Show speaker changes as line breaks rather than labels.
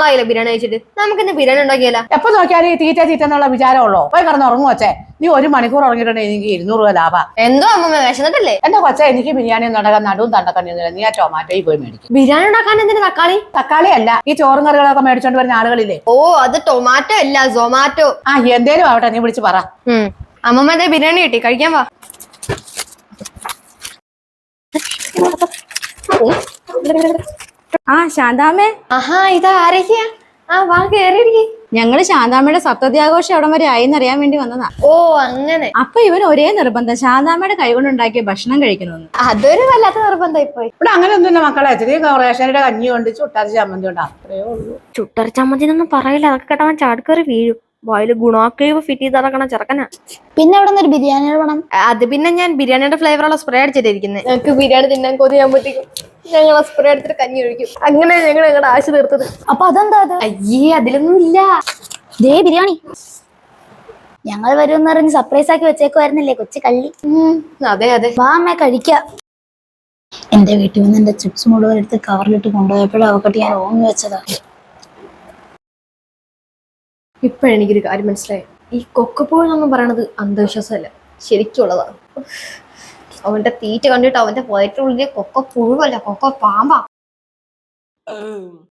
നാളായില്ല ബിരിയാണി കഴിച്ചിട്ട്. നമുക്ക് ഇന്ന് ബിരിയാണി ഉണ്ടാക്കിയല്ല.
എപ്പോ നോക്കിയാലും ഈ തീറ്റ എന്നുള്ള വിചാരമുള്ളൂ. പോയി കിടന്ന് ഉറങ്ങും കൊച്ചേ. നീ 1 മണിക്കൂർ ഉറങ്ങിയിട്ടുണ്ടെങ്കിൽ എനിക്ക് 200 രൂപ ലാഭം.
എന്തോ അമ്മ വിശന്നിട്ടല്ലേ?
എന്റെ കൊച്ചേ, എനിക്ക് ബിരിയാണി ഉണ്ടാക്കാൻ നടുവും തണ്ടക്കണ്ണിയൊന്നുമില്ല. നീ ആ ടൊമാറ്റോയിൽ പോയി മേടിക്കും.
ബിരിയാണി ഉണ്ടാക്കാൻ എന്തിനാ തക്കാളി?
തക്കാളി അല്ല, ഈ ചോറും കറികളൊക്കെ മേടിച്ചോണ്ട് വരുന്ന ആളുകളില്ലേ.
ഓ, അത് ടൊമാറ്റോ അല്ല, സൊമാറ്റോ.
ആ എന്തേലും ആവട്ടെ, നീ വിളിച്ച് പറ.
അമ്മമ്മ എന്തേ ബിരിയാണി കിട്ടി, കഴിക്കാൻ വാ.
ശാന്താമ്മേ.
ആഹാ, ഇതാ ആരൊക്കെയാ? വാ കേറിയിരിക്കെ.
ഞങ്ങള് ശാന്താമ്മയുടെ സപ്തത്യാഘോഷം എവിടം വരെ ആയിന്നറിയാൻ വേണ്ടി വന്നതാ.
ഓ അങ്ങനെ.
അപ്പൊ ഇവൻ ഒരേ നിർബന്ധം, ശാന്താമ്മയുടെ കൈകൊണ്ടുണ്ടാക്കിയ ഭക്ഷണം കഴിക്കണമെന്ന്.
അതൊരു വല്ലാത്ത നിർബന്ധമായി പോയി.
ഇവിടെ അങ്ങനെ ഒന്നുമില്ല മക്കളെ. റേഷനയുടെ കഞ്ഞി കൊണ്ട് ചുട്ടരച്ച ചമ്മന്തി ഉണ്ട്, അത്രേ ഉള്ളൂ.
ചുട്ടര ചമ്മന്തിനൊന്നും പറയില്ല, അതൊക്കെ കേട്ടവൻ ചാടിക്കറി വീഴും. വായില് ഗുണാക്കേവ് ഫിറ്റ് ചെയ്ത് നടക്കണ ചെറുക്കനാ.
പിന്നെ അവിടെ നിന്ന് ഒരു ബിരിയാണിയുടെ പണം.
അത് പിന്നെ ഞാൻ ബിരിയാണിയുടെ ഫ്ലേവറുള്ള സ്പ്രേ അടിച്ചിട്ടിരിക്കുന്നത്. ഞങ്ങൾക്ക് ബിരിയാണി തിന്നാൻ കൊതിയാകുമ്പോഴത്തേക്കും ഞങ്ങൾ ആ സ്പ്രേ എടുത്തിട്ട് കഞ്ഞി ഒഴിക്കും. അങ്ങനെ ഞങ്ങൾ ഞങ്ങളുടെ ആശ തീർത്തത്.
അപ്പൊ അതെന്താ അത്?
അയ്യേ, അതിലൊന്നും ഇല്ല.
ദേ ബിരിയാണി ഞങ്ങൾ വരുമെന്ന് പറഞ്ഞ് സർപ്രൈസ് ആക്കി വെച്ചേക്കുമായിരുന്നില്ലേ കൊച്ചു കള്ളി.
അതെ അതെ,
വാ അമ്മ കഴിക്കാം. എന്റെ വീട്ടിൽ നിന്ന് എന്റെ ചിപ്സ് മുഴുവൻ എടുത്ത് കവറിലിട്ട് കൊണ്ടുപോയപ്പോഴും അവക്കട്ടി ഞാൻ ഓങ്ങി വെച്ചതാ.
ഇപ്പോഴെനിക്കൊരു കാര്യം മനസ്സിലായി. ഈ കൊക്കപ്പോഴെന്നൊന്നും പറയണത് അന്ധവിശ്വാസമല്ല, ശരിക്കുള്ളതാണ്. അവന്റെ തീറ്റ കണ്ടിട്ട് അവന്റെ വയറ്റിനുള്ളിലെ കൊക്ക പുഴുവല്ല, കൊക്ക പാമ്പാ.